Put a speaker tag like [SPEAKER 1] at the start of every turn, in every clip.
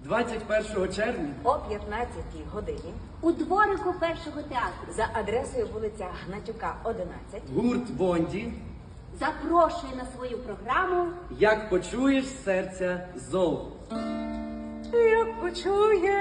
[SPEAKER 1] 21 червня
[SPEAKER 2] о 15-й годині
[SPEAKER 3] у дворику першого театру
[SPEAKER 2] за адресою вулиця Гнатюка, 11
[SPEAKER 1] гурт Бонді
[SPEAKER 3] запрошує на свою програму
[SPEAKER 1] «Як почуєш серця зов».
[SPEAKER 2] Як почуєш,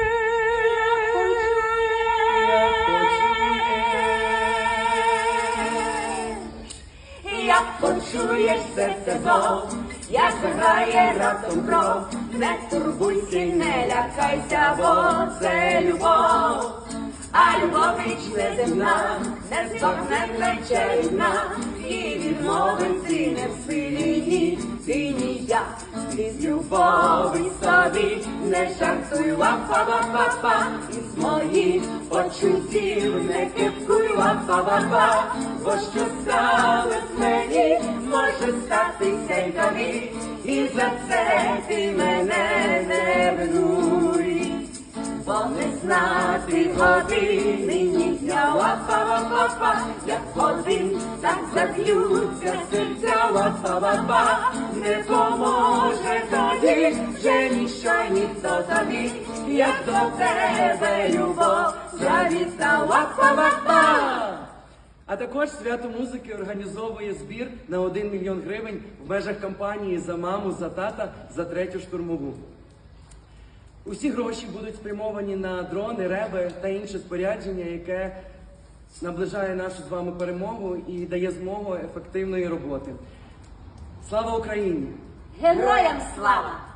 [SPEAKER 2] як почуєш серце зов, як заграє раптом кров, не турбуйся й не лякайся, бо це любов. А любов річ неземна, не здохне плече рідна, і відмовити не в силі ні, ти ні я. Із любові собі не жартуй, ва-па-ва-па-па, із моїх почуттів не кипкуй, ва-па-ва-па, бо що сталось мені, може статися й тобі, і за це ти мене не винуй. Бо не знати години, ні дня, ва-па-ва-па-па, як один, так заб'ються серця, ва-па-ва-па, не поможе тоді, вже ніщо й ніхто тобі, як до тебе любов, завіса, ва-па-ва-па.
[SPEAKER 1] А також свято музики організовує збір на 1 мільйон гривень в межах кампанії «За маму, за тата, за 3-ю штурмову». Усі гроші будуть спрямовані на дрони, реби та інше спорядження, яке наближає нашу з вами перемогу і дає змогу ефективної роботи. Слава Україні!
[SPEAKER 3] героям слава!